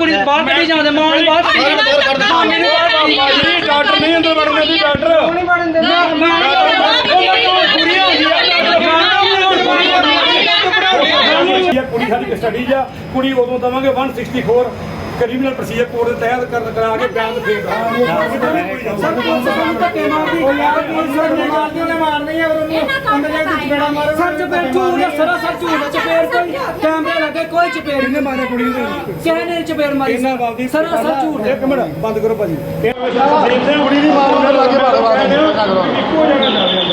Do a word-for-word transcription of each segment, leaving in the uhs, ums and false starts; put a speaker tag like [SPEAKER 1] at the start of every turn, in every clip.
[SPEAKER 1] ਕੁੜੀ ਬਾਹਰ ਕੱਢੀ ਜਾਂਦੇ ਮਾਂ ਨੂੰ ਬਾਹਰ ਕੱਢੀ ਜਾਂਦੇ
[SPEAKER 2] ਡਾਕਟਰ ਨਹੀਂ ਅੰਦਰ ਵੜਨ ਦਿੰਦੀ ਡਾਕਟਰ
[SPEAKER 1] ਨਹੀਂ ਵੜਨ ਦਿੰਦਾ
[SPEAKER 2] ਕੁੜੀ ਸਾਡੀ ਕਸਟਡੀ ਆ ਕੁੜੀ ਉਦੋਂ ਦਵਾਂਗੇ ਇੱਕ ਸੌ ਚੌਂਸਠ ਕ੍ਰਿਮੀਨਲ ਪ੍ਰੋਸੀਜਰ ਕੋਡ ਦੇ ਤਹਿਤ ਕਰ ਕਰਾ ਕੇ ਬਿਆਨ ਫੇਰ
[SPEAKER 1] ਮਾਰਨੀ ਹੈ ਉਹਨੂੰ ਅੰਦਰ ਜਾ ਕੇ ਚਪੇੜਾ ਮਾਰੋ ਸਰ ਚਪੇੜ ਝੂਠ ਹੈ ਸਰਾ ਸਰ ਝੂਠ ਹੈ ਚਪੇੜ ਕੋਈ ਕੈਮਰੇ ਲੱਗੇ ਕੋਈ ਚਪੇੜ
[SPEAKER 2] ਕਿੰਨੇ ਮਾਰਿਆ ਕੁੜੀ ਨੂੰ
[SPEAKER 1] ਕਿਸੇ ਨੇ ਚਪੇੜ ਮਾਰੀ ਸਰਾ ਸਰ ਝੂਠ ਹੈ
[SPEAKER 2] ਇੱਕ ਮਿੰਟ ਬੰਦ ਕਰੋ ਭਾਜੀ
[SPEAKER 3] ਕੁੜੀ ਦੀ ਮਾਰ ਉਹਨੇ ਲਾ ਕੇ ਬਾਰ ਬਾਰ
[SPEAKER 2] ਇੱਕੋ ਜਗ੍ਹਾ ਜਾ ਰਿਹਾ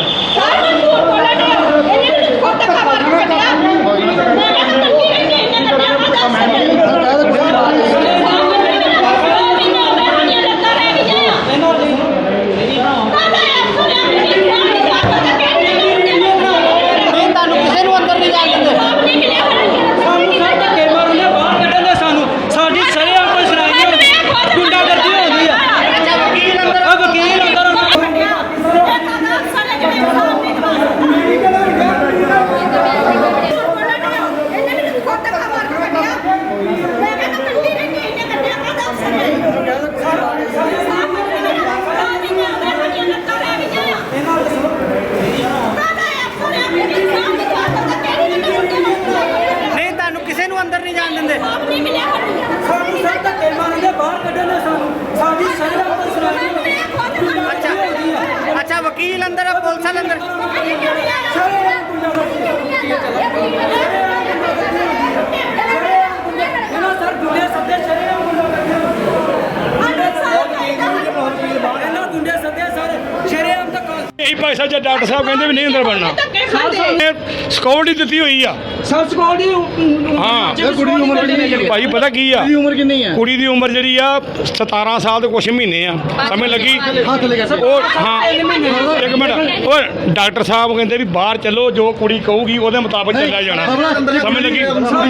[SPEAKER 1] ਅੰਦਰ ਨਹੀਂ ਜਾਣ ਦਿੰਦੇ ਸਾਨੂੰ ਸਰ ਧੱਕੇ ਮਾਰਦੇ ਬਾਹਰ ਕੱਢਣੇ ਸਾਨੂੰ ਸਾਡੀ ਸ਼ਰਮ ਤੋਂ ਸੁਣਾਈ ਅੱਛਾ ਅੱਛਾ ਵਕੀਲ ਅੰਦਰ ਹੈ ਪੁਲਿਸ ਵਾਲੇ ਅੰਦਰ ਇਹਨਾਂ ਸਰ ਗੁੰਡੇ ਸੱਦੇ ਸ਼ਰਮ ਇਹਨਾਂ ਗੁੰਡੇ ਸੱਦੇ ਸਰ ਸ਼ਰਮ ਤੱਕ
[SPEAKER 2] ਇਹੀ ਪੈਸਾ ਜੇ ਡਾਕਟਰ ਸਾਹਿਬ ਕਹਿੰਦੇ ਵੀ ਨਹੀਂ ਅੰਦਰ ਵੜਨਾ ਸਿਕਿਉਰਿਟੀ ਦਿੱਤੀ ਹੋਈ ਆ
[SPEAKER 1] ਸਰ ਸਿਕਿਉਰਿਟੀ
[SPEAKER 2] ਹਾਂ
[SPEAKER 3] ਕੁੜੀ ਦੀ ਉਮਰ ਕਿੰਨੀ ਹੈ
[SPEAKER 2] ਭਾਈ ਪਤਾ ਕੀ ਆ
[SPEAKER 3] ਕੁੜੀ ਦੀ ਉਮਰ ਕਿੰਨੀ ਹੈ
[SPEAKER 2] ਕੁੜੀ ਦੀ ਉਮਰ ਜਿਹੜੀ ਆ ਸਤਾਰਾਂ ਸਾਲ ਤੇ ਕੁਛ ਮਹੀਨੇ ਆ ਸਮਝ ਲੱਗੀ
[SPEAKER 3] ਹੱਥ ਲੈ ਕੇ
[SPEAKER 2] ਉਹ ਹਾਂ ਇੱਕ ਮਿੰਟ ਉਹ ਡਾਕਟਰ ਸਾਹਿਬ ਕਹਿੰਦੇ ਵੀ ਬਾਹਰ ਚੱਲੋ ਜੋ ਕੁੜੀ ਕਹੂਗੀ ਉਹਦੇ ਮੁਤਾਬਕ ਚੱਲਿਆ ਜਾਣਾ ਸਮਝ ਲੱਗੀ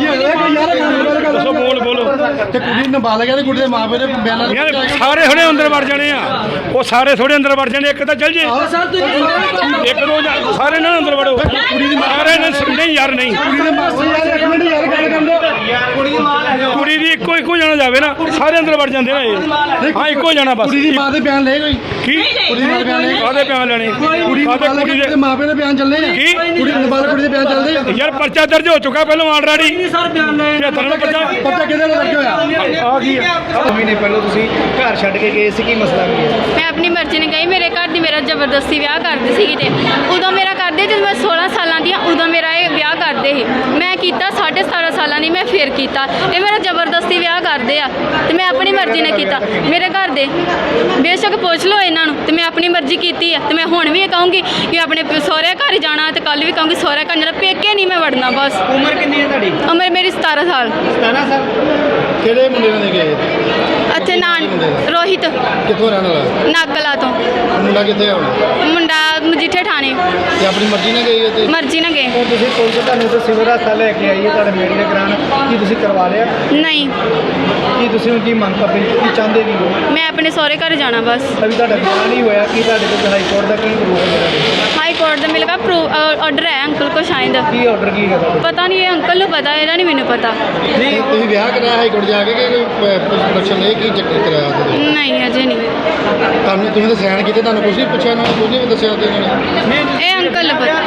[SPEAKER 2] ਦੱਸੋ ਬੋਲ ਬੋਲੋ
[SPEAKER 3] ਤੇ ਕੁੜੀ ਨਾਬਾਲਗ ਹੈ ਤੇ ਕੁੜੀ ਦੇ ਮਾਪੇ ਨੇ ਬਿਆਨ
[SPEAKER 2] ਯਾਰ ਸਾਰੇ ਥੋੜੇ ਅੰਦਰ ਵੜ ਜਾਣੇ ਆ ਉਹ ਸਾਰੇ ਥੋੜੇ ਅੰਦਰ ਵੜ ਜਾਣੇ ਇੱਕ ਤਾਂ ਚੱਲ ਜੇ ਇੱਕ ਦੋ ਜਾ- ਸਾਰੇ ਨਾ ਅੰਦਰ ਵੜੋ ਕੁੜੀ ਦੀ ਸਾਰੇ ਨੇ ਨਹੀਂ ਯਾਰ ਨਹੀਂ
[SPEAKER 3] ਕੁੜੀ ਦੇ ਮਾਪੇ ਯਾਰ ਇੱਕ ਮਿੰਟ ਯਾਰ ਗੱਲ ਕਰਦੇ
[SPEAKER 2] ਕੁੜੀ ਦੀ ਇੱਕੋ ਇੱਕੋ ਜਾਣਾ ਜਾਵੇ ਨਾ ਸਾਰੇ ਅੰਦਰ ਵੜ ਜਾਂਦੇ ਨਾ ਇਹ ਹਾਂ ਇੱਕੋ ਜਾਣਾ ਬਸ
[SPEAKER 3] ਕੁੜੀ ਦੀ ਮਾਂ ਦੇ ਬਿਆਨ ਲੈ ਕੋਈ
[SPEAKER 2] ਕੀ
[SPEAKER 3] ਕੁੜੀ ਦੀ ਮਾਂ ਦੇ ਬਿਆਨ ਲੈ
[SPEAKER 2] ਕਾਹਦੇ ਪਿਆਰ ਲੈਣੇ
[SPEAKER 3] ਕੁੜੀ
[SPEAKER 2] ਕਾਹਦੇ
[SPEAKER 3] ਨਾਬਾਲਗ
[SPEAKER 2] ਕੁੜੀ
[SPEAKER 3] ਦੇ
[SPEAKER 2] ਦੇ
[SPEAKER 3] ਮਾਪੇ ਦੇ ਬਿਆਨ ਚੱਲਦੇ ਨੇ
[SPEAKER 2] ਕੀ?
[SPEAKER 3] ਕੁੜੀ ਨਾਬਾਲਗ ਕੁੜੀ ਦੇ ਬਿਆਨ ਚੱਲਦੇ ਆ
[SPEAKER 2] ਯਾਰ ਪਰਚਾ ਦਰਜ ਹੋ ਚੁੱਕਾ ਪਹਿਲਾਂ ਆਲਰੇਡੀ
[SPEAKER 1] ਸਰ ਬਿਆਨ ਲੈ
[SPEAKER 2] ਪਚੱਤਰ ਨੂੰ ਪਰਚਾ
[SPEAKER 3] ਪਤਾ ਕਿਹਦੇ ਨਾਲ ਲੱਗਿਆ ਹੋਇਆ
[SPEAKER 2] ਆ ਗਈ ਆ
[SPEAKER 4] ਮਹੀਨੇ ਪਹਿਲਾਂ ਤੁਸੀਂ ਘਰ ਛੱਡ ਕੇ ਗਏ ਸੀ ਕੀ ਮਸਲਾ ਕੀ ਹੈ
[SPEAKER 5] ਮੈਂ ਆਪਣੀ ਮਰਜ਼ੀ ਨਾਲ ਗਈ ਮੇਰੇ ਘਰ ਦੀ ਮੇਰਾ ਜ਼ਬਰਦਸਤੀ ਵਿਆਹ ਕਰਦੇ ਸੀਗੇ ਤੇ ਉਦੋਂ ਮੇਰਾ ਕਰਦੇ ਜਦੋਂ ਮੈਂ ਸੋਲਾਂ ਸਾਲਾਂ ਦੀ ਹਾਂ ਉਦੋਂ ਮੇਰਾ ਇਹ ਵਿਆਹ ਕਰਦੇ ਸੀ ਮੈਂ ਕੀਤਾ ਸਾਢੇ ਸਤਾਰਾਂ ਸਾਲਾਂ ਦੀ ਮੈਂ ਫੇਰ ਕੀਤਾ ਇਹ ਮੇਰਾ ਜ਼ਬਰਦਸਤੀ ਵਿਆਹ ਕਰਦੇ ਆ ਤੇ ਮੈਂ ਆਪਣੀ ਮਰਜ਼ੀ ਨਾਲ ਕੀਤਾ ਮੇਰੇ ਘਰ ਦੇ ਬੇਸ਼ੱਕ ਪੁੱਛ ਲਓ ਇਹਨਾਂ ਨੂੰ ਤੇ ਮੈਂ ਆਪਣੀ ਮਰਜ਼ੀ ਕੀਤੀ ਆ ਤੇ ਮੈਂ ਹੁਣ ਵੀ ਇਹ ਕਹੂੰਗੀ ਕਿ ਆਪਣੇ ਸਹੁਰੇ ਘਰ ਜਾਣਾ ਤੇ ਕੱਲ ਵੀ ਕਹੂੰਗੀ ਸਹੁਰੇ ਘਰ ਜਾਣਾ ਪੇਕੇ ਨਹੀਂ ਮੈਂ ਵੜਨਾ ਬਸ
[SPEAKER 4] ਉਮਰ ਕਿੰਨੀ ਹੈ ਤੁਹਾਡੀ
[SPEAKER 5] ਉਮਰ ਮੇਰੀ ਸਤਾਰਾਂ ਸਾਲ
[SPEAKER 4] ਸਤਾਰਾਂ ਸਾਲ
[SPEAKER 3] ਕਿਹੜੇ ਮੁੰਡੇ ਨਾਲ ਗਏ
[SPEAKER 5] ਅੱਛਾ ਨਾਨ ਰੋਹਿਤ
[SPEAKER 3] ਕਿੱਥੋਂ ਰਹਿਣ ਵਾਲਾ
[SPEAKER 5] ਨਾਗਲਾ ਤੋਂ
[SPEAKER 3] ਮੁੰਡਾ ਕਿੱਥੇ ਆ ਹੁਣ
[SPEAKER 5] ਮੁੰਡਾ ਮਜੀਠੇ ਠਾਣੇ
[SPEAKER 3] ਤੇ ਆਪਣੀ ਮਰਜ਼ੀ ਨਾਲ ਗਈ ਹੈ ਤੇ
[SPEAKER 5] ਮਰਜ਼ੀ ਨਾਲ ਗਏ
[SPEAKER 4] ਹੁਣ ਤੁਸੀਂ ਪੁਲਿਸ ਤੁਹਾਨੂੰ ਤੇ ਸਿਵਲ ਹਸਪਤਾਲ ਲੈ ਕੇ ਆਈ ਹੈ ਤੁਹਾਡੇ ਮੈਡੀਕਲ ਕਰਾਉਣ ਕੀ ਤੁਸੀਂ ਕਰਵਾ ਲਿਆ
[SPEAKER 5] ਨਹੀਂ
[SPEAKER 4] ਕੀ ਤੁਸੀਂ ਹੁਣ ਕੀ ਮੰਗ ਕਰਦੇ ਕੀ ਚਾਹੁੰਦੇ ਕੀ ਹੋ
[SPEAKER 5] ਮੈਂ ਆਪਣੇ ਸਹੁਰੇ ਘਰ ਜਾਣਾ ਬਸ
[SPEAKER 4] ਅਭੀ ਤੁਹਾਡਾ ਵਿਆਹ ਨਹੀਂ ਹੋਇਆ ਕੀ ਤੁਹਾਡੇ ਕੋਲ ਹਾਈ ਕੋਰਟ ਦਾ ਕੀ ਪ੍ਰੂਫ ਹੈ
[SPEAKER 5] ਹਾਈ ਕੋਰਟ ਦਾ ਮੇਰੇ ਕੋਲ ਆਰਡਰ ਹੈ ਅੰਕਲ ਕੋ ਸ਼ਾਇਦ
[SPEAKER 4] ਕੀ ਆਰਡਰ ਕੀ ਹੈ ਤੁਹਾਡਾ
[SPEAKER 5] ਪਤਾ ਨਹੀਂ ਇਹ ਅੰਕਲ ਨੂੰ ਪਤਾ ਇਹਦਾ ਨਹੀਂ ਮੈਨੂੰ ਪਤਾ
[SPEAKER 3] ਨਹੀਂ ਤੁਸੀਂ ਵਿਆਹ ਕਰਾਇਆ ਹਾਈ ਕੋਰਟ ਜਾ ਕੇ ਕਿ ਪ੍ਰੋਡਕਸ਼ਨ ਨੇ ਕੀ ਚੱਕਰ ਕਰਾਇਆ ਉਹਦੇ
[SPEAKER 5] ਨਹੀਂ ਅਜੇ ਨਹੀਂ
[SPEAKER 3] ਤੁਹਾਨੂੰ ਤੁਸੀਂ ਤਾਂ ਸੈਨ ਕੀਤੇ ਤੁਹਾਨੂੰ ਕੁਝ ਨਹੀਂ ਪੁੱਛਿਆ ਨਾ ਕੁਝ ਨਹੀਂ ਦੱਸਿਆ ਉਹਦੇ ਨਾਲ
[SPEAKER 5] ਇਹ ਅੰਕਲ ਨੂੰ ਪਤਾ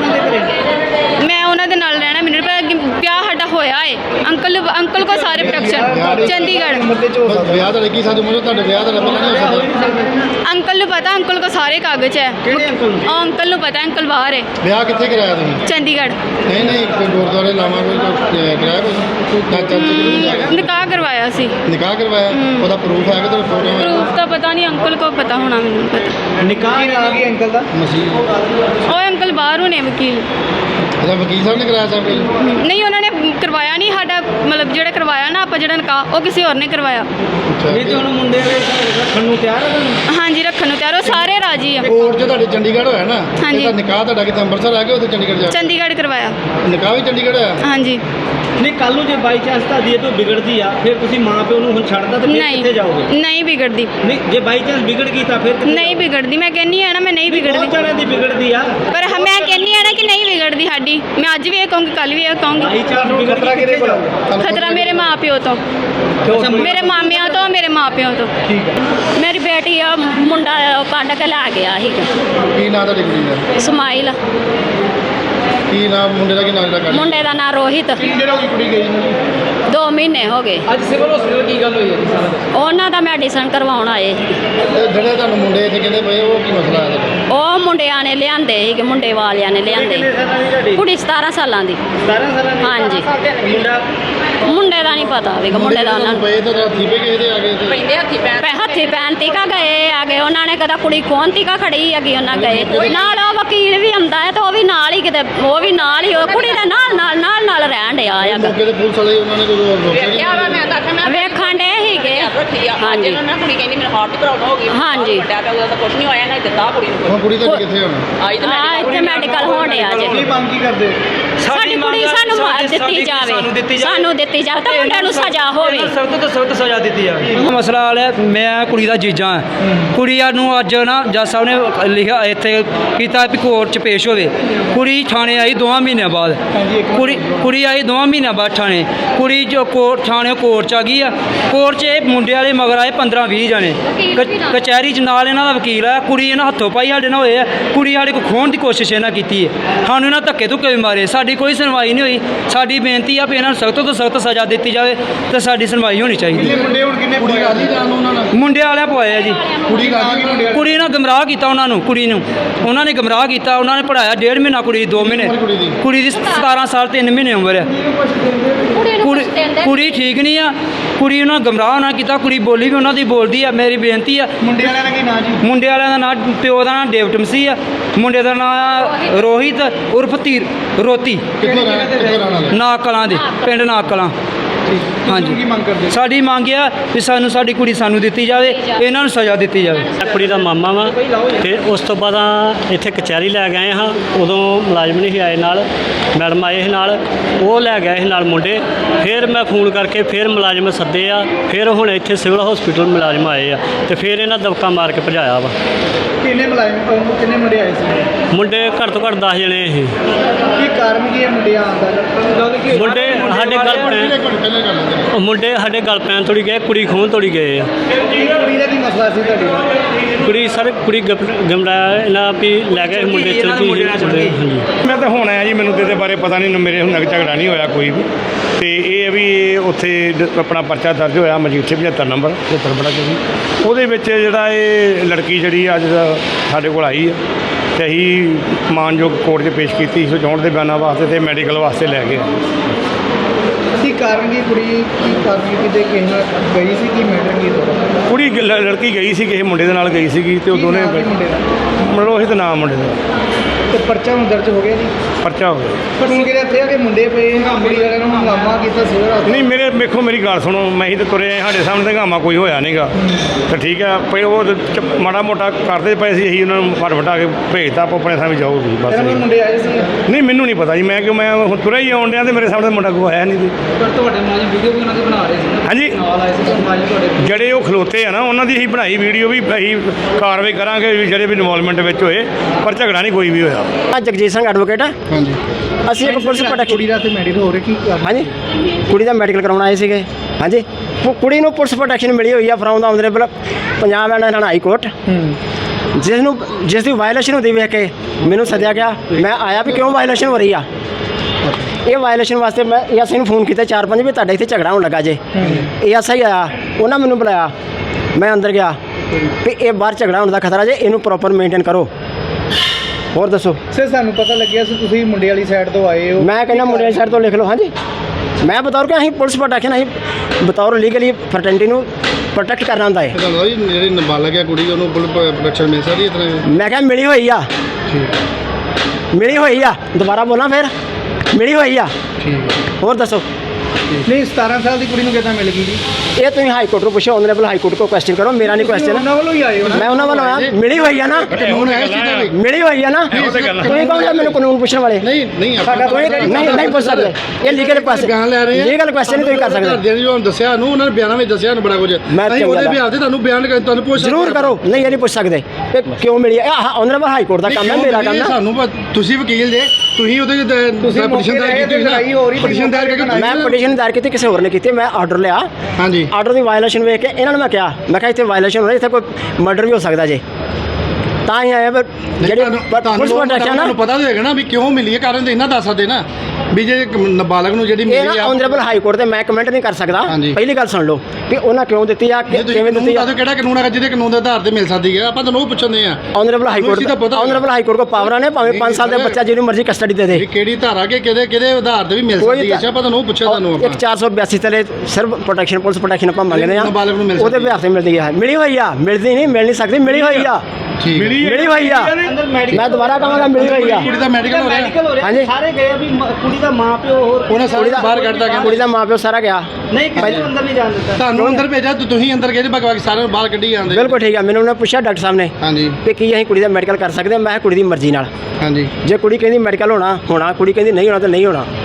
[SPEAKER 5] ਮੈਂ ਉਹਨਾਂ ਦੇ ਨਾਲ ਰਹਿਣਾ ਮੈਨੂੰ ਪਤਾ ਕਿ ਵਿਆਹ ਸਾਡਾ ਹੋਇਆ ਏ ਅੰਕਲ ਨੂੰ- ਅੰਕਲ ਕੋ ਸਾਰੇ ਪ੍ਰੋਡਕਸ਼ਨ ਚੰਡੀਗੜ੍ਹ
[SPEAKER 4] ਉਮਰ ਦੇ ਚ ਹੋ ਸਕਦਾ
[SPEAKER 3] ਵਿਆਹ ਤਾਂ ਲੱਗੀ ਸਾਡੇ ਮੂੰਹ ਤੁਹਾਡੇ ਵਿਆਹ ਤਾਂ ਪਹਿਲਾਂ ਨਹੀਂ ਹੋ ਸਕਦਾ
[SPEAKER 5] ਅੰਕਲ ਨੂੰ ਪਤਾ ਅੰਕਲ ਕੋ ਸਾਰੇ ਕਾਗਜ਼ ਹੈ
[SPEAKER 4] ਕਿਹੜੇ ਅੰਕਲ ਨੂੰ?
[SPEAKER 5] ਉਹ ਅੰਕਲ ਨੂੰ ਪਤਾ ਅੰਕਲ ਬਾਹਰ ਹੈ
[SPEAKER 3] ਵਿਆਹ ਕਿੱਥੇ ਕਰਾਇਆ ਤੁਸੀਂ
[SPEAKER 5] ਚੰਡੀਗੜ੍ਹ
[SPEAKER 3] ਨਹੀਂ ਨਹੀਂ ਕੋਈ ਗੁਰਦੁਆਰੇ ਲਾਵਾਂ ਕੋਈ ਕੋਈ ਕਰਾਇਆ ਕੋਈ ਨਾ ਚਰਚ ਚ ਜਾ ਕੇ
[SPEAKER 5] ਨਿਕਾਹ ਕਰਵਾਇਆ ਸੀ
[SPEAKER 3] ਨਿਕਾਹ ਕਰਵਾਇਆ ਉਹਦਾ ਪ੍ਰੂਫ ਹੈ ਕਿ ਤੁਹਾਡੇ ਫੋਟੋ ਹੈ
[SPEAKER 5] ਪ੍ਰੂਫ ਤਾਂ ਪਤਾ ਨਹੀਂ ਅੰਕਲ ਕੋ ਪਤਾ ਹੋਣਾ ਮੈਨੂੰ ਪਤਾ
[SPEAKER 4] ਨਿਕਾਹ ਆ ਗਿਆ ਅੰਕਲ ਦਾ
[SPEAKER 3] ਮਸੀਹ
[SPEAKER 5] ਉਹ ਅੰਕਲ ਬਾਹਰ ਹੋਣੇ ਵਕੀਲ
[SPEAKER 3] ਅੱਛਾ ਵਕੀਲ ਸਾਹਿਬ ਨੇ ਕਰਾਇਆ ਸਭ ਕੁਝ
[SPEAKER 5] ਨਹੀਂ ਉਹਨਾਂ ਨੇ ਕਰਵਾਇਆ ਨਹੀਂ ਸਾਡਾ ਮਤਲਬ ਜਿਹੜਾ ਕਰਵਾਇਆ ਨਾ ਆਪਾਂ ਜਿਹੜਾ ਨਿਕਾਹ ਉਹ ਕਿਸੇ ਹੋਰ ਨੇ ਕਰਵਾਇਆ
[SPEAKER 3] ਅੱਛਾ
[SPEAKER 4] ਨਹੀਂ ਤੇ ਉਹਨੂੰ ਮੁੰਡੇ ਦੇ ਰੱਖਣ ਨੂੰ ਤਿਆਰ ਹੈ ਤੁਹਾਨੂੰ
[SPEAKER 5] ਹਾਂਜੀ ਰੱਖਣ ਨੂੰ ਤਿਆਰ ਉਹ ਸਾਰੇ ਰਾਜੀ ਆ
[SPEAKER 3] ਕੋਰਟ ਜੋ ਤੁਹਾਡੇ ਚੰਡੀਗੜ੍ਹ ਹੋਇਆ ਨਾ
[SPEAKER 5] ਹਾਂਜੀ।
[SPEAKER 3] ਇਹਦਾ ਨਿਕਾਹ ਤੁਹਾਡਾ ਕਿਤੇ ਅੰਮ੍ਰਿਤਸਰ ਆ ਗਿਆ ਉੱਥੇ ਚੰਡੀਗੜ੍ਹ ਜਾ
[SPEAKER 5] ਚੰਡੀਗੜ੍ਹ ਕਰਵਾਇਆ
[SPEAKER 3] ਕੇ ਨਿਕਾਹ ਵੀ ਚੰਡੀਗੜ੍ਹ ਹੋਇਆ
[SPEAKER 5] ਹਾਂਜੀ
[SPEAKER 4] ਨਹੀਂ ਕੱਲ ਨੂੰ ਜੇ ਬਾਈ ਚਾਂਸ ਤੁਹਾਡੀ ਇਹ ਤੋਂ ਵਿਗੜਦੀ ਆ ਫਿਰ ਤੁਸੀਂ ਮਾਂ ਪਿਓ ਨੂੰ ਹੁਣ ਛੱਡਦਾ ਤੇ ਫਿਰ ਕਿੱਥੇ
[SPEAKER 5] ਨਹੀਂ
[SPEAKER 4] ਜਾਓਗੇ
[SPEAKER 5] ਨਹੀਂ ਵਿਗੜਦੀ
[SPEAKER 4] ਨਹੀਂ ਜੇ ਬਾਈ ਚਾਂਸ ਵਿਗੜ ਗਈ ਤਾਂ ਫਿਰ ਕਿੱਥੇ
[SPEAKER 5] ਨਹੀਂ ਵਿਗੜਦੀ ਮੈਂ ਕਹਿੰਨੀ ਆ ਨਾ ਮੈਂ ਨਹੀਂ
[SPEAKER 4] ਬਹੁਤ
[SPEAKER 5] ਵਿਗੜਦੀ
[SPEAKER 4] ਜਣਿਆਂ ਦੀ ਵਿਗੜਦੀ ਆ
[SPEAKER 5] ਪਰ ਹਾਂ ਮੈਂ ਕਹਿੰਨੀ ਆ ਨਾ ਕਿ ਨਹੀਂ ਵਿਗੜਦੀ ਸਾਡੀ ਮੈਂ ਅੱਜ ਵੀ ਇਹ ਕਹੂੰਗੀ ਕੱਲ ਵੀ ਇਹ ਕਹੂੰਗੀ
[SPEAKER 4] ਬਾਈ ਚਾਂਸ ਵਿਗੜ ਕਿੱਥੇ ਖਤਰਾ ਹੋਇਆ?
[SPEAKER 5] ਖਤਰਾ ਮੇਰੇ ਮਾਪਿਓ ਤੋਂ, ਮੇਰੇ ਮਾਮਿਆਂ ਤੋਂ, ਮੇਰੇ ਮਾਪਿਆਂ ਤੋਂ।
[SPEAKER 4] ਠੀਕ ਹੈ।
[SPEAKER 5] ਮੇਰੀ ਬੇਟੀ ਆ ਮੁੰਡਾ ਕੱਢ ਕੇ ਲੈ ਗਿਆ ਸੀਗਾ,
[SPEAKER 3] ਕੀ ਨਾਂ ਤੁਹਾਡੀ ਕੁੜੀ ਦਾ?
[SPEAKER 5] ਸਮਾਈਲ।
[SPEAKER 3] ਕੀ ਨਾਮ ਮੁੰਡੇ ਦਾ? ਕੀ ਨਾਂ ਜਿਹੜਾ ਕੱਢ
[SPEAKER 5] ਮੁੰਡੇ ਦਾ ਨਾਂ ਰੋਹਿਤ।
[SPEAKER 4] ਕਿੰਨੀ ਦੇਰ ਹੋ ਗਈ ਕੁੜੀ ਗਈ ਨੂੰ?
[SPEAKER 5] ਦੋ ਮਹੀਨੇ ਹੋ ਗਏ।
[SPEAKER 4] ਅੱਜ ਸਿਵਲ ਹਸਪੀਟਲ ਕੀ ਗੱਲ ਹੋਈ ਹੈ ਜੀ ਸਾਰਾ ਦੱਸੋ।
[SPEAKER 5] ਉਹਨਾਂ ਦਾ ਮੈਡੀਸਨ ਕਰਵਾਉਣ ਆਏ ਸੀ।
[SPEAKER 3] ਇਹ ਜਿਹੜੇ ਤੁਹਾਨੂੰ ਮੁੰਡੇ ਇੱਥੇ ਕਹਿੰਦੇ ਪਏ ਉਹ ਕੀ ਮਸਲਾ ਹੈ ਤੁਹਾਡਾ?
[SPEAKER 5] ਉਹ ਮੁੰਡਿਆਂ ਨੇ ਲਿਆਂਦੇ ਸੀਗੇ, ਮੁੰਡੇ ਵਾਲਿਆਂ ਨੇ ਲਿਆਂਦੇ।
[SPEAKER 4] ਸਾਲਾਂ ਦੀ ਤੁਹਾਡੀ?
[SPEAKER 5] ਕੁੜੀ ਸਤਾਰਾਂ ਸਾਲਾਂ ਦੀ।
[SPEAKER 4] ਸਤਾਰਾਂ ਸਾਲਾਂ ਦੀ?
[SPEAKER 5] ਹਾਂਜੀ।
[SPEAKER 4] ਮੁੰਡਾ?
[SPEAKER 5] ਮੁੰਡੇ ਦਾ ਨਹੀਂ ਪਤਾ ਹੋਵੇਗਾ, ਮੁੰਡੇ ਦਾ ਉਹਨਾਂ ਨੂੰ
[SPEAKER 3] ਪਏ ਤਾਂ ਰਾਤੀ ਪਏ ਕਿਸੇ ਦੇ ਆ ਗਏ ਤੇ
[SPEAKER 5] ਪੈ ਹੱਥੀ ਪੈਣ ਤੀਕਾ ਗਏ ਆ ਗਏ ਉਹਨਾਂ ਨੇ। ਕਦਾ ਕੁੜੀ ਕੌਣ ਤੀਕਾ ਖੜੀ ਹੈਗੀ, ਉਹਨਾਂ ਗਏ ਨਾਲ। ਉਹ ਵਕੀਲ ਵੀ ਆਉਂਦਾ ਹੈ ਤੇ ਉਹ ਵੀ ਨਾਲ ਹੀ ਕਿਤੇ, ਉਹ ਵੀ ਨਾਲ ਹੀ, ਉਹ ਕੁੜੀ ਦੇ ਨਾਲ ਨਾਲ ਨਾਲ ਨਾਲ ਰਹਿਣ ਡਿਆ ਆ।
[SPEAKER 3] ਮੌਕੇ ਤੇ ਪੁਲਿਸ ਵਾਲੇ ਉਹਨਾਂ ਨੇ ਕੋਈ ਰੋਕਿਆ ਨਹੀਂ?
[SPEAKER 5] ਵੇਖਣ ਡੇ ਹੀਗੇ। ਹਾਂਜੀ
[SPEAKER 6] ਮੈਂ ਕੁੜੀ ਕਹਿੰਦੀ ਮੈਨੂੰ ਹਾਰਟ ਦੀ ਪ੍ਰੋਬਲਮ ਹੋ ਗਈ।
[SPEAKER 5] ਹਾਂਜੀ।
[SPEAKER 6] ਵੱਡਾ ਪਿਆ ਉਹਦਾ ਤਾਂ ਕੁਝ ਨਹੀਂ ਹੋਇਆ ਨਾ, ਦਿੱਤਾ ਕੁੜੀ ਨੂੰ
[SPEAKER 3] ਹੁਣ ਕੁੜੀ ਤੁਹਾਡੀ ਕਿੱਥੇ ਹੁਣ?
[SPEAKER 6] ਆਈ ਤਾਂ
[SPEAKER 5] ਆ ਇੱਥੇ ਮੈਡੀਕਲ ਹੋਣ ਡਿਆ ਜੇ।
[SPEAKER 4] ਕੀ ਮੰਗ ਕੀ ਕਰਦੇ ਹੋ?
[SPEAKER 5] ਸਾਡੀ ਕੁੜੀ ਸਾਨੂੰ ਮਾਰ ਦਿੱਤੀ ਜਾਵੇ, ਸਾਨੂੰ ਦਿੱਤੀ ਜਾਵੇ ਤਾਂ ਮੁੰਡਿਆਂ ਨੂੰ ਸਜ਼ਾ ਹੋਵੇ।
[SPEAKER 1] ਸਖਤ ਤੋਂ ਸਖਤ ਸਜ਼ਾ ਦਿੱਤੀ ਜਾਵੇ।
[SPEAKER 7] ਮਸਲਾ ਹਾਲ ਹੈ, ਮੈਂ ਕੁੜੀ ਦਾ ਜੀਜਾ ਹਾਂ। ਕੁੜੀ ਨੂੰ ਅੱਜ ਨਾ ਜੱਜ ਸਾਹਿਬ ਨੇ ਲਿਖਿਆ ਇੱਥੇ ਕੀਤਾ ਵੀ ਕੋਰਟ 'ਚ ਪੇਸ਼ ਹੋਵੇ। ਕੁੜੀ ਥਾਣੇ ਆਈ ਦੋਵਾਂ ਮਹੀਨਿਆਂ ਬਾਅਦ। ਕੁੜੀ ਕੁੜੀ ਆਈ ਦੋਵਾਂ ਮਹੀਨਿਆਂ ਬਾਅਦ ਥਾਣੇ। ਕੁੜੀ ਜੋ ਕੋਰਟ ਥਾਣੇ ਕੋਰਟ 'ਚ ਆ ਗਈ ਆ। ਕੋਰਟ 'ਚ ਇਹ ਮੁੰਡੇ ਵਾਲੇ ਮਗਰ ਆਏ ਪੰਦਰਾਂ ਵੀਹ ਜਣੇ। ਕ- ਕਚਹਿਰੀ 'ਚ ਨਾਲ ਇਹਨਾਂ ਦਾ ਵਕੀਲ ਆ। ਕੁੜੀ ਇਹਨਾਂ ਹੱਥੋਂ ਪਾਈ ਸਾਡੇ ਨਾਲ ਹੋਏ ਆ। ਕੁੜੀ ਸਾਡੇ ਕੋਲ ਖੋਹਣ ਦੀ ਕੋਸ਼ਿਸ਼ ਇਹਨਾਂ ਕੀਤੀ ਹੈ। ਸਾਨੂੰ ਇਹਨਾਂ ਧੱਕੇ ਧੁੱਕੇ ਵੀ ਮਾਰੇ। ਸਾਡੀ ਕੋਈ ਸੁਣਵਾਈ ਨਹੀਂ ਹੋਈ। ਸਾਡੀ ਬੇਨਤੀ ਆ ਵੀ ਇਹਨਾਂ ਨੂੰ ਸਖਤ ਤੋਂ ਸਖਤ ਸਜ਼ਾ ਦਿੱਤੀ ਜਾਵੇ ਤੇ ਸਾਡੀ ਸੁਣਵਾਈ ਹੋਣੀ ਚਾਹੀਦੀ ਹੈ।
[SPEAKER 4] ਮੁੰਡੇ ਹੁਣ ਕਿੰਨੇ
[SPEAKER 3] ਕੁੜੀ ਰਾਜੀ ਜਾਣ ਨੂੰ ਉਹਨਾਂ ਨਾਲ?
[SPEAKER 7] ਮੁੰਡੇ ਵਾਲਿਆਂ ਪਵਾਏ ਆ ਜੀ।
[SPEAKER 3] ਕੁੜੀ ਰਾਜੀ ਮੁੰਡੇ
[SPEAKER 7] ਕੁੜੀ ਨਾਲ ਗਮਰਾਹ ਕੀਤਾ ਉਹਨਾਂ ਨੂੰ। ਕੁੜੀ ਨੂੰ ਉਹਨਾਂ ਨੇ ਗਮਰਾਹ ਕੀਤਾ। ਉਹਨਾਂ ਨੇ ਪੜਾਇਆ ਡੇਢ ਮਹੀਨਾ, ਕੁੜੀ ਦੋ ਮਹੀਨੇ।
[SPEAKER 3] ਕੁੜੀ ਦੀ?
[SPEAKER 7] ਕੁੜੀ ਦੀ ਸਤਾਰਾਂ ਸਾਲ ਤਿੰਨ ਮਹੀਨੇ ਉਮਰ ਹੈ। ਕੁੜੀ ਕੁੜੀ ਠੀਕ ਨਹੀਂ ਆ। ਕੁੜੀ ਉਹਨਾਂ ਗਮਰਾਹ ਨਾ ਕੀਤਾ। ਕੁੜੀ ਬੋਲੀ ਵੀ ਉਹਨਾਂ ਦੀ ਬੋਲਦੀ ਆ। ਮੇਰੀ ਬੇਨਤੀ ਆ,
[SPEAKER 4] ਮੁੰਡੇ ਵਾਲਿਆਂ ਦਾ ਕੀ ਨਾਂ ਜੀ?
[SPEAKER 7] ਮੁੰਡੇ ਵਾਲਿਆਂ ਦਾ ਨਾਂ, ਪਿਓ ਦਾ ਨਾਂ ਡੇਵਿਡ ਮਸੀਹ ਆ। ਮੁੰਡੇ ਦਾ ਨਾਂ ਰੋਹਿਤ ਉਰਫ ਧੀਰ ਰੋਤੀ,
[SPEAKER 3] ਕਿੱਥੋਂ ਰਹਿਣ ਕਿੱਥੋਂ ਰਹਿਣ ਵਾਲੇ?
[SPEAKER 7] ਨਾਗ ਕਲਾਂ ਦੇ ਪਿੰਡ ਨਾਗ ਕਲਾਂ। ਹਾਂਜੀ।
[SPEAKER 4] ਕੀ ਮੰਗ ਕਰਦੇ ਹੋ?
[SPEAKER 7] ਸਾਡੀ ਮੰਗ ਆ ਵੀ ਸਾਨੂੰ ਸਾਡੀ ਕੁੜੀ ਸਾਨੂੰ ਦਿੱਤੀ ਜਾਵੇ, ਇਹਨਾਂ ਨੂੰ ਸਜ਼ਾ ਦਿੱਤੀ ਜਾਵੇ।
[SPEAKER 8] ਕੁੜੀ ਦਾ ਮਾਮਾ ਵਾ ਤੇ ਉਸ ਤੋਂ ਬਾਅਦ ਆ ਇੱਥੇ ਕਚਹਿਰੀ ਲੈ ਗਏ ਹਾਂ। ਉਦੋਂ ਮੁਲਾਜ਼ਮ ਨਹੀਂ ਸੀ ਆਏ ਨਾਲ, ਮੈਡਮ ਆਏ ਸੀ ਨਾਲ, ਉਹ ਲੈ ਗਏ ਸੀ ਨਾਲ ਮੁੰਡੇ। ਫਿਰ ਮੈਂ ਫੋਨ ਕਰਕੇ ਫਿਰ ਮੁਲਾਜ਼ਮ ਸੱਦੇ ਆ। ਫਿਰ ਹੁਣ ਇੱਥੇ ਸਿਵਲ ਹਸਪੀਟਲ ਮੁਲਾਜ਼ਮ ਆਏ ਆ ਤੇ ਫਿਰ ਇਹਨਾਂ ਦਬਕਾ ਮਾਰ ਕੇ ਭਜਾਇਆ ਵਾ।
[SPEAKER 4] ਕਿੰਨੇ ਮੁਲਾਜ਼ਮ ਕਿੰਨੇ ਮੁੰਡੇ ਆਏ ਸੀ?
[SPEAKER 8] ਮੁੰਡੇ ਘੱਟ ਤੋਂ ਘੱਟ ਦਸ ਜਣੇ ਸੀ।
[SPEAKER 4] ਕੀ ਕਾਰਨ ਕੀ ਹੈ ਮੁੰਡੇ ਆਉਣ ਦਾ? ਗੱਲ ਕੀ ਹੋਈ?
[SPEAKER 8] ਮੁੰਡੇ ਸਾਡੇ ਗੱਲ ਪੈਣ
[SPEAKER 3] ਪਹਿਲੇ ਗੱਲ ਹੁੰਦੀ
[SPEAKER 8] ਉਹ ਮੁੰਡੇ ਸਾਡੇ ਗੱਲ ਪੈਣ ਤੋੜੀ ਗਏ, ਕੁੜੀ ਖੂਨ ਤੋੜੀ ਗਏ ਆ।
[SPEAKER 4] ਕੀ ਕੁੜੀ ਦਾ ਕੀ ਮਸਲਾ ਸੀ ਤੁਹਾਡੀ ਨਾਲ?
[SPEAKER 8] ਕੁੜੀ ਸਰ ਕੁੜੀ ਗਮੜਾ ਇਹਨਾਂ ਵੀ ਲੈ ਗਏ ਮੁੰਡੇ ਚਲ ਗਏ। ਹਾਂਜੀ।
[SPEAKER 2] ਮੈਂ ਤਾਂ ਹੁਣ ਆਇਆ ਜੀ, ਮੈਨੂੰ ਤੇ ਇਹਦੇ ਬਾਰੇ ਪਤਾ ਨਹੀਂ। ਮੇਰੇ ਹੁਣ ਤੱਕ ਝਗੜਾ ਨਹੀਂ ਹੋਇਆ ਕੋਈ ਵੀ। ਤੇ ਇਹ ਹੈ ਵੀ ਇਹ ਉੱਥੇ ਡ- ਆਪਣਾ ਪਰਚਾ ਦਰਜ ਹੋਇਆ ਮਜੀਠੇ ਪਝੱਤਰ ਨੰਬਰ ਪਝੱਤਰ ਬੜਾ ਚੌਵੀ। ਉਹਦੇ ਵਿੱਚ ਜਿਹੜਾ ਇਹ ਲੜਕੀ ਜਿਹੜੀ ਅੱਜ ਦਾ ਸਾਡੇ ਕੋਲ ਆਈ ਹੈ ਤੇ ਅਸੀਂ ਮਾਨਯੋਗ ਕੋਰਟ 'ਚ ਪੇਸ਼ ਕੀਤੀ ਸੀ ਚੋਣ ਦੇ ਬਿਆਨਾਂ ਵਾਸਤੇ ਤੇ ਮੈਡੀਕਲ ਵਾਸਤੇ ਲੈ ਗਏ।
[SPEAKER 4] ਕੀ ਕਾਰਨ ਕੀ ਕੁੜੀ ਕੀ ਕਾਰਨ ਕਿਤੇ ਕਿਸੇ ਨਾਲ ਗਈ ਸੀ? ਕੀ ਮੈਟਰ ਕੀ ਤੁਹਾਡਾ?
[SPEAKER 2] ਕੁੜੀ ਗ- ਲ- ਲੜਕੀ ਗਈ ਸੀ ਕਿਸੇ ਮੁੰਡੇ ਦੇ ਨਾਲ ਗਈ ਸੀਗੀ ਤੇ ਉਹ
[SPEAKER 4] ਕੀ
[SPEAKER 2] ਦੋਨੇ
[SPEAKER 4] ਨਾਮ ਸੀ ਮੁੰਡੇ ਦਾ?
[SPEAKER 2] ਰੋਹਿਤ ਨਾਮ ਮੁੰਡੇ ਦਾ।
[SPEAKER 4] ਤੇ ਪਰਚਾ ਹੁਣ ਦਰਜ ਹੋ ਗਿਆ ਜੀ?
[SPEAKER 2] ਪਰਚਾ ਹੋ ਗਿਆ।
[SPEAKER 4] ਪਰ ਹੁਣ ਕਿਹੜੇ ਇੱਥੇ ਆ ਕਿ ਮੁੰਡੇ ਪਏ ਕੁੜੀ ਵਾਲਿਆਂ ਨੂੰ ਹੰਗਾਮਾ ਕੀਤਾ ਸਿਵਲ ਹਸਪਤਾਲ?
[SPEAKER 2] ਨਹੀਂ ਮੇਰੇ ਵੇਖੋ ਮੇਰੀ ਗੱਲ ਸੁਣੋ, ਮੈਂ ਹੀ ਤਾਂ ਤੁਰੇ ਆਏ, ਸਾਡੇ ਸਾਹਮਣੇ ਤਾਂ ਹੰਗਾਮਾ ਕੋਈ ਹੋਇਆ ਨਹੀਂਗਾ। ਤਾਂ ਠੀਕ ਹੈ ਪਈ ਉਹ ਤੇ ਚ- ਮਾੜਾ ਮੋਟਾ ਕਰਦੇ ਪਏ ਸੀ, ਅਸੀਂ ਉਹਨਾਂ ਨੂੰ ਫੜ ਵਟਾ ਕੇ ਭੇਜਤਾ ਆਪੋ ਆਪਣੇ ਸਾਹਮਣੇ ਜਾਓ ਜੀ ਬਸ।
[SPEAKER 4] ਇਹਨਾਂ ਦੇ ਮੁੰਡੇ ਆਏ ਸੀ?
[SPEAKER 2] ਨਹੀਂ ਮੈਨੂੰ ਨਹੀਂ ਪਤਾ ਜੀ, ਮੈਂ ਕਿਉਂ ਮੈਂ ਹੁਣ ਤੁਰਿਆ ਹੀ ਆਉਣ ਡਿਆ ਤੇ ਮੇਰੇ ਸਾਹਮਣੇ ਮੁੰਡਾ ਕੋਈ ਆਇਆ ਨਹੀਂ ਜੀ।
[SPEAKER 4] ਪਰ ਤੁਹਾਡੇ ਮਾਜੀ ਵੀਡੀਓ ਵੀ ਉਹਨਾਂ ਦੇ ਬਣਾ ਰਹੇ ਸੀ ਨਾ?
[SPEAKER 2] ਹਾਂਜੀ
[SPEAKER 4] ਨਾਲ ਆਏ ਸੀ ਮਾਜੀ ਤੁਹਾਡੇ?
[SPEAKER 2] ਜਿਹੜੇ ਉਹ ਖਲੋਤੇ ਆ ਨਾ ਉਹਨਾਂ ਦੀ ਅਸੀਂ ਬਣਾਈ ਵੀਡੀਓ ਵੀ ਅਸੀਂ ਕਾਰਵਾਈ ਕਰਾਂਗੇ ਵੀ ਜਿਹੜੇ ਵੀ ਇਨਵੋਲਵਮੈਂਟ ਵਿੱਚ ਹੋਏ, ਪਰ ਝਗੜਾ ਨਹੀਂ ਕੋਈ ਵੀ ਹੋਇਆ।
[SPEAKER 9] ਆ ਜਗਜੀਤ ਸਿੰਘ ਐਡਵੋਕੇਟ ਆ।
[SPEAKER 3] ਹਾਂਜੀ।
[SPEAKER 9] ਅਸੀਂ ਇੱਕ ਪੁਲਿਸ ਪ੍ਰੋਟੈਕਸ਼ਨ
[SPEAKER 4] ਕੁੜੀ ਦਾ ਤੇ ਮੈਰਿਜ ਹੋ ਰਿਹਾ ਕੀ ਕਾਰਨ?
[SPEAKER 9] ਹਾਂਜੀ ਕੁੜੀ ਦਾ ਮੈਡੀਕਲ ਕਰਾਉਣ ਆਏ ਸੀਗੇ। ਹਾਂਜੀ ਉਹ ਕੁੜੀ ਨੂੰ ਪੁਲਿਸ ਪ੍ਰੋਟੈਕਸ਼ਨ ਮਿਲੀ ਹੋਈ ਆ ਫਰੋਮ ਦਾ honourable Punjab and Haryana high court. ਜਿਸ ਨੂੰ ਜਿਸ ਦੀ ਵਾਇਲੇਸ਼ਨ ਹੁੰਦੀ ਵੇਖ ਕੇ ਮੈਨੂੰ ਸੱਦਿਆ ਗਿਆ। ਮੈਂ ਆਇਆ ਵੀ ਕਿਉਂ ਵਾਇਲੇਸ਼ਨ ਹੋ ਰਹੀ ਆ। ਇਹ ਵਾਇਲੇਸ਼ਨ ਵਾਸਤੇ ਮੈਂ ਏਐਸਆਈ ਨੂੰ ਫੋਨ ਕੀਤਾ ਚਾਰ ਪੰਜ ਵੀ ਤੁਹਾਡੇ ਇੱਥੇ ਝਗੜਾ ਹੋਣ ਲੱਗਾ ਜੇ। ਏਐਸਆਈ ਆਇਆ, ਉਹਨਾਂ ਮੈਨੂੰ ਬੁਲਾਇਆ, ਮੈਂ ਅੰਦਰ ਗਿਆ ਵੀ ਇਹ ਬਾਹਰ ਝਗੜਾ ਹੋਣ ਦਾ ਖਤਰਾ ਜੇ, ਇਹਨੂੰ ਪ੍ਰੋਪਰ ਮੇਨਟੇਨ ਕਰੋ। ਹੋਰ ਦੱਸੋ।
[SPEAKER 4] ਸਰ ਸਾਨੂੰ ਪਤਾ ਲੱਗਿਆ ਸੀ ਤੁਸੀਂ ਮੁੰਡੇ ਵਾਲੀ ਸਾਈਡ ਤੋਂ ਆਏ ਹੋ।
[SPEAKER 9] ਮੈਂ ਕਹਿੰਦਾ ਮੁੰਡੇ ਦੀ ਸਾਈਡ ਤੋਂ ਲਿਖ ਲਓ। ਹਾਂਜੀ ਮੈਂ ਬਤੌਰ ਕਿ ਅਸੀਂ ਪੁਲਿਸ ਪ੍ਰੋਟੈਕਸ਼ਨ ਅਸੀਂ ਬਤੌਰ ਲੀਗਲੀ ਫਰਟੈਂਟੀ ਨੂੰ ਪ੍ਰੋਟੈਕਟ ਕਰਨਾ ਹੁੰਦਾ ਹੈ।
[SPEAKER 3] ਇਹ ਤੁਹਾਨੂੰ ਜੀ ਜਿਹੜੀ ਨਾਬਾਲਗ ਹੈ ਕੁੜੀ ਉਹਨੂੰ ਪੁਲਿਸ ਪ੍ਰੋਟੈਕਸ਼ਨ ਮਿਲ ਸਕਦੀ ਇਸ ਤਰ੍ਹਾਂ?
[SPEAKER 9] ਮੈਂ ਕਿਹਾ ਮਿਲੀ ਹੋਈ ਆ, ਮਿਲੀ ਹੋਈ ਆ। ਦੁਬਾਰਾ ਬੋਲਾਂ ਫਿਰ ਮਿਲੀ ਹੋਈ ਆ। ਹੋਰ ਦੱਸੋ।
[SPEAKER 4] ਨਹੀਂ ਸਤਾਰਾਂ ਸਾਲ ਦੀ ਕੁੜੀ ਨੂੰ ਕਿੱਦਾਂ ਮਿਲ ਗਈ ਜੀ?
[SPEAKER 9] ਇਹ ਤੁਸੀਂ ਹਾਈ ਕੋਰਟ ਨੂੰ ਪੁੱਛੋ, ਆਨਰੇਬਲ ਹਾਈ ਕੋਰਟ ਕੋ ਕੁਐਸਚਨ ਕਰੋ, ਮੇਰਾ ਨਹੀਂ
[SPEAKER 4] ਤੁਸੀਂ
[SPEAKER 9] ਕੁਐਸਚਨ।
[SPEAKER 4] ਉਹਨਾਂ ਵੱਲੋਂ ਹੀ ਆਏ ਹੋ ਨਾ?
[SPEAKER 9] ਮੈਂ ਉਹਨਾਂ ਵੱਲੋਂ ਆਇਆ। ਮਿਲੀ ਹੋਈ ਆ ਨਾ,
[SPEAKER 3] ਕਾਨੂੰਨ ਹੈ ਇਸ ਚੀਜ਼ ਦਾ ਵੀ?
[SPEAKER 9] ਮਿਲੀ ਹੋਈ ਆ ਨਾ। ਤੁਸੀਂ ਕੌਣ ਹੋ ਮੈਨੂੰ ਕਾਨੂੰਨ ਪੁੱਛਣ ਵਾਲੇ?
[SPEAKER 3] ਨਹੀਂ ਨਹੀਂ ਆਪਾਂ
[SPEAKER 9] ਤੁਸੀਂ ਨਹੀਂ ਨਹੀਂ ਪੁੱਛ ਸਕਦੇ। ਇਹ ਲੀਗਲ ਕੁਐਸਚਨ
[SPEAKER 3] ਬਿਆਨ ਲੈ ਰਹੇ ਆ।
[SPEAKER 9] ਲੀਗਲ ਕੁਐਸਚਨ ਨਹੀਂ ਤੁਸੀਂ ਕਰ ਸਕਦੇ।
[SPEAKER 3] ਘਰਦਿਆਂ ਨੇ ਜੋ ਦੱਸਿਆ ਨੂੰ ਉਹਨਾਂ ਨੇ ਬਿਆਨਾਂ ਵਿੱਚ ਦੱਸਿਆ ਨੂੰ ਬੜਾ ਕੁਝ।
[SPEAKER 9] ਮੈਂ
[SPEAKER 3] ਅਸੀਂ ਉਹਦੇ ਬਿਆਨ ਤੇ ਤੁਹਾਨੂੰ ਬਿਆਨ ਕਰ ਤੁਹਾਨੂੰ ਪੁੱਛ
[SPEAKER 9] ਜ਼ਰੂਰ ਕਰੋ। ਨਹੀਂ ਇਹ ਨਹੀਂ ਪੁੱਛ ਸਕਦੇ ਕਿ ਕਿਉਂ ਮਿਲੀ ਆ। ਆਨਰੇਬਲ ਹਾਈ ਕੋਰਟ ਦਾ ਕੰਮ ਹੈ, ਮੇਰਾ ਕੰਮ ਹੈ।
[SPEAKER 3] ਸਾਨੂੰ ਪ- ਤੁਸੀਂ ਵਕੀਲ ਜੇ ਤੁਸੀਂ ਉਹਦੇ
[SPEAKER 4] ਤੁਸੀਂ
[SPEAKER 3] ਪਟੀਸ਼ਨ ਦਾਇਰ ਕੀਤੀ ਹੋਈ
[SPEAKER 4] ਲੜਾਈ ਹੋ ਰਹੀ
[SPEAKER 3] ਨਾ ਪਟੀਸ਼ਨ ਦਾਇਰ ਕਰਕੇ
[SPEAKER 9] ਮੈਂ ਪਟੀਸ਼ਨ ਦਾਇਰ ਕੀਤੀ, ਕਿਸੇ ਹੋਰ ਨੇ ਕੀਤੀ, ਮੈਂ ਆਰਡਰ ਲਿਆ।
[SPEAKER 3] ਹਾਂਜੀ
[SPEAKER 9] ਆਰਡਰ ਦੀ ਵਾਇਲੇਸ਼ਨ ਵੇਖ ਕੇ ਇਹਨਾਂ ਨੂੰ ਮੈਂ ਕਿਹਾ, ਮੈਂ ਕਿਹਾ ਇੱਥੇ ਵਾਇਲੇਸ਼ਨ ਹੋ ਰਹੀ, ਇੱਥੇ ਕੋਈ ਮਰਡਰ ਵੀ ਹੋ ਸਕਦਾ ਜੇ, ਤਾਂ ਹੀ ਆਇਆ। ਪਰ ਜਿਹੜੀ
[SPEAKER 3] ਤੁਹਾਨੂੰ
[SPEAKER 9] ਪੁਲਿਸ ਪ੍ਰੋਟੈਕਸ਼ਨ ਨਾ,
[SPEAKER 3] ਤੁਹਾਨੂੰ ਪਤਾ ਤਾਂ ਹੋਏਗਾ ਨਾ ਵੀ ਕਿਉਂ ਮਿਲੀ ਹੈ, ਕਾਰਨ ਤਾਂ ਇਹਨਾਂ ਦੱਸ ਸਕਦੇ ਨਾ ਵੀ ਜੇ ਇੱਕ ਨਾਬਾਲਗ ਨੂੰ ਜਿਹੜੀ
[SPEAKER 9] ਇਹ
[SPEAKER 3] ਮਿਲੀ
[SPEAKER 9] ਨਾ
[SPEAKER 3] ਆ
[SPEAKER 9] ਆਨਰੇਬਲ ਹਾਈ ਕੋਰਟ ਤੇ ਮੈਂ ਕਮੈਂਟ ਨਹੀਂ ਕਰ ਸਕਦਾ।
[SPEAKER 3] ਹਾਂਜੀ।
[SPEAKER 9] ਪਹਿਲੀ ਗੱਲ ਸੁਣ ਲਓ ਕਿ ਉਹਨਾਂ ਕਿਉਂ ਦਿੱਤੀ ਆ,
[SPEAKER 3] ਜੇ ਤੁਸੀਂ
[SPEAKER 9] ਕਿਵੇਂ ਦਿੱਤੀ
[SPEAKER 3] ਕਾਨੂੰਨ
[SPEAKER 9] ਆ।
[SPEAKER 3] ਦੱਸੋ ਕਿਹੜਾ ਕਾਨੂੰਨ ਹੈਗਾ ਜਿਹਦੇ ਕਾਨੂੰਨ ਦੇ ਆਧਾਰ ਤੇ ਮਿਲ ਸਕਦੀ ਹੈ, ਆਪਾਂ ਤੁਹਾਨੂੰ ਉਹ ਪੁੱਛਦੇ ਆ
[SPEAKER 9] ਆਨਰੇਬਲ ਹਾਈ
[SPEAKER 3] ਤੁਹਾਨੂੰ ਇਸ ਚੀਜ਼ ਦਾ
[SPEAKER 9] ਕੋਰਟ
[SPEAKER 3] ਪਤਾ
[SPEAKER 9] ਆਨਰੇਬਲ ਹਾਈ ਕੋਰਟ ਕੋ ਪਾਵਰਾਂ ਨੇ, ਭਾਵੇਂ ਪੰਜ ਸਾਲ ਦੇ ਬੱਚਾ ਜਿਹਨੂੰ ਮਰਜ਼ੀ ਕਸਟਡੀ ਦੇ ਦੇ।
[SPEAKER 3] ਵੀ ਕਿਹੜੀ ਧਾਰਾ ਕੇ ਕਿਹਦੇ ਕਿਹਦੇ ਆਧਾਰ ਤੇ ਵੀ ਮਿਲ
[SPEAKER 9] ਕੋਈ
[SPEAKER 3] ਸਕਦੀ ਹੈ,
[SPEAKER 9] ਤਾਂ-
[SPEAKER 3] ਆਪਾਂ ਤੁਹਾਨੂੰ ਉਹ ਪੁੱਛਿਆ ਤੁਹਾਨੂੰ
[SPEAKER 9] ਇੱਕ
[SPEAKER 3] ਆਪਾਂ
[SPEAKER 9] ਚਾਰ ਸੌ ਬਿਆਸੀ ਤਲੇ ਸਿਰਫ ਪ੍ਰੋਟੈਕਸ਼ਨ, ਪੁਲਿਸ ਪ੍ਰੋਟੈਕਸ਼ਨ ਆਪਾਂ ਮੰਗਦੇ ਆ,
[SPEAKER 3] ਨਾਬਾਲਗ ਨੂੰ ਮਿਲ
[SPEAKER 9] ਉਹਦੇ
[SPEAKER 3] ਸਕਦੀ ਹੈ।
[SPEAKER 9] ਬਿਹਾਰ ਤੇ ਮਿਲਦੀ ਆ, ਮਿਲੀ ਹੋਈ ਆ, ਮਿਲਦੀ ਨਹੀਂ, ਮਿਲ ਨਹੀਂ ਸਕਦੀ, ਮਿਲੀ ਹੋਈ ਆ,
[SPEAKER 3] ਠੀਕ ਹੈ।
[SPEAKER 9] ਮਿਲੀ ਹੋਈ ਆ।
[SPEAKER 4] ਅੰਦਰ ਮੈਡੀਕਲ
[SPEAKER 9] ਮੈਂ ਦੁਬਾਰਾ ਕਹਾਂਗਾ ਮਿਲੀ ਹੋਈ ਆ।
[SPEAKER 3] ਕੁੜੀ ਦਾ ਮੈਡੀਕਲ ਹੋ ਰਿਹਾ
[SPEAKER 4] ਮੈਡੀਕਲ ਹੋ ਰਿਹਾ
[SPEAKER 9] ਹਾਂਜੀ।
[SPEAKER 4] ਸਾਰੇ ਗਏ ਵੀ ਮ- ਕੁੜੀ ਦਾ ਮਾਂ ਪਿਓ ਹੋਰ
[SPEAKER 3] ਉਹਨਾਂ ਸਾਰੇ ਬਾਹਰ ਕੱਢਦਾ ਗਿਆ
[SPEAKER 9] ਕੁੜੀ ਦਾ ਮਾਂ ਪਿਓ ਸਾਰਾ ਗਿਆ।
[SPEAKER 4] ਨਹੀਂ ਕਿਸੇ ਨੂੰ ਅੰਦਰ ਨਹੀਂ ਜਾਣ ਦਿੱਤਾ।
[SPEAKER 3] ਤੁਹਾਨੂੰ ਅੰਦਰ ਭੇਜਿਆ ਤੇ ਤੁਸੀਂ ਅੰਦਰ ਗਏ ਬਾਕੀ ਸਾਰਿਆਂ ਨੂੰ ਬਾਹਰ ਕੱਢੀ ਜਾਂਦੇ
[SPEAKER 9] ਬਿਲਕੁਲ ਠੀਕ ਆ। ਮੈਨੂੰ ਉਹਨੇ ਪੁੱਛਿਆ ਡਾਕਟਰ ਸਾਹਿਬ ਨੇ
[SPEAKER 3] ਹਾਂਜੀ
[SPEAKER 9] ਕਿ ਕੀ ਅਸੀਂ ਕੁੜੀ ਦਾ ਮੈਡੀਕਲ ਕਰ ਸਕਦੇ ਹਾਂ, ਮੈਂ ਕਿਹਾ ਕੁੜੀ ਦੀ ਮਰਜ਼ੀ ਨਾਲ।
[SPEAKER 3] ਹਾਂਜੀ
[SPEAKER 9] ਜੇ ਕੁੜੀ ਕਹਿੰਦੀ ਮੈਡੀਕਲ ਹੋਣਾ ਹੋਣਾ, ਕੁੜੀ ਕਹਿੰਦੀ ਨਹੀਂ ਹੋਣਾ ਤਾਂ ਨਹੀਂ ਹੋਣਾ।